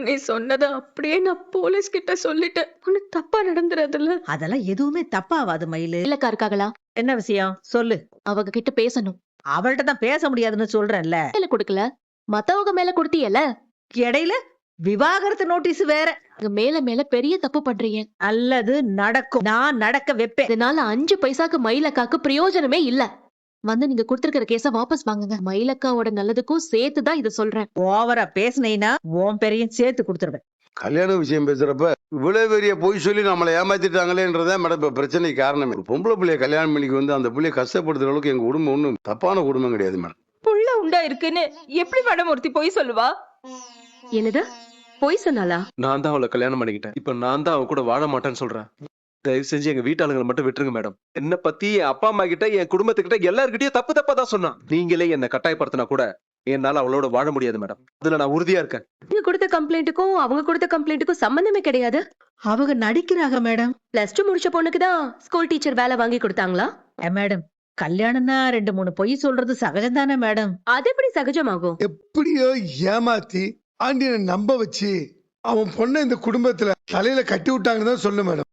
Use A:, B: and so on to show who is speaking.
A: நீ சொன்னதை அப்படியே நான் போலீஸ் கிட்ட சொல்லிட்டேன். ஒண்ணு தப்பா நடந்துறதுல.
B: அதெல்லாம் எதுவுமே தப்பாவாது மயிலு.
C: இல்லக்கா இருக்காங்களா?
B: என்ன விஷயம் சொல்லு.
C: அவங்க கிட்ட பேசணும்.
B: அவள்கிட்ட தான் பேச முடியாதுன்னு சொல்றேன்ல.
C: மேல கொடுக்கல, மத்தவங்க மேல கொடுத்தியல.
B: இடையில விவாகரத்து நோட்டீஸ் வேற.
C: மேல மேல பெரிய தப்பு பண்றீங்க.
B: அல்லது நடக்கும், நான் நடக்க வைப்பேன்.
C: இதனால 5 பைசாக்கு மயிலக்காக்கு பிரயோஜனமே இல்ல. வந்து நீங்க கொடுத்திருக்கிற கேஸ வாபஸ் வாங்குங்க. மயிலக்காவோட நல்லதுக்கும் சேர்த்துதான் இத சொல்றேன்.
B: ஓவரா பேசுனீனா உன் பெரியும் சேர்த்து கொடுத்துருவேன்.
D: கல்யாண விஷயம் பேசுறப்ப இவ்வளவு பெரிய பொய் சொல்லி நம்மளை ஏமாத்திட்டாங்களேன்றதா மேடம் இப்ப பிரச்சனைக்கு காரணமே. ஒரு பொம்பளை பிள்ளைய கல்யாணம் பண்ணிக்கு வந்து அந்த பிள்ளைய கஷ்டப்படுத்துற அளவுக்கு எங்க குடும்பம் ஒன்றும் தப்பான குடும்பம் கிடையாது மேடம்.
A: புள்ள உண்டா இருக்குன்னு எப்படி மேடம் ஒருத்தி பொய் சொல்லுவா? என்னது பொய் சொன்னாளா?
E: நான் தான் அவளை கல்யாணம் பண்ணிக்கிட்டேன். இப்ப நான் தான் அவ கூட வாழ மாட்டேன்னு சொல்றேன். தயவு செஞ்சு எங்க வீட்டாளுங்களை மட்டும் விட்டுருங்க மேடம். என்ன பத்தி என் அப்பா அம்மா கிட்ட, என் குடும்பத்துக்கிட்ட எல்லார்கிட்டயும் தப்பு தப்பா தான் சொன்னான். நீங்களே என்ன கட்டாயப்படுத்தினா கூட என்னால அவளோட வாழ முடியாது மேடம். அதுல நான் உறுதியா இருக்கேன்.
A: நீங்க கொடுத்த கம்ப்ளைண்ட்டுக்கும் அவங்க கொடுத்த கம்ப்ளைண்ட்டுக்கும் சம்பந்தமே கிடையாது.
B: அவங்க நடிக்கிறாங்க மேடம்.
A: +2 முடிச்ச பொண்ணுக்கு தான் ஸ்கூல் டீச்சர் வேலை வாங்கி கொடுத்தாங்களா?
B: மேடம், கல்யாணம்னா 2-3 பொய் சொல்றது சகஜம் தானே மேடம்.
A: அது எப்படி சகஜமாகும்?
F: எப்படியோ ஏமாத்தி ஆண்டியனை நம்ப வச்சு அவன் பொண்ணை இந்த குடும்பத்துல தலையில கட்டி விட்டாங்கன்னு தான் சொல்லு மேடம்.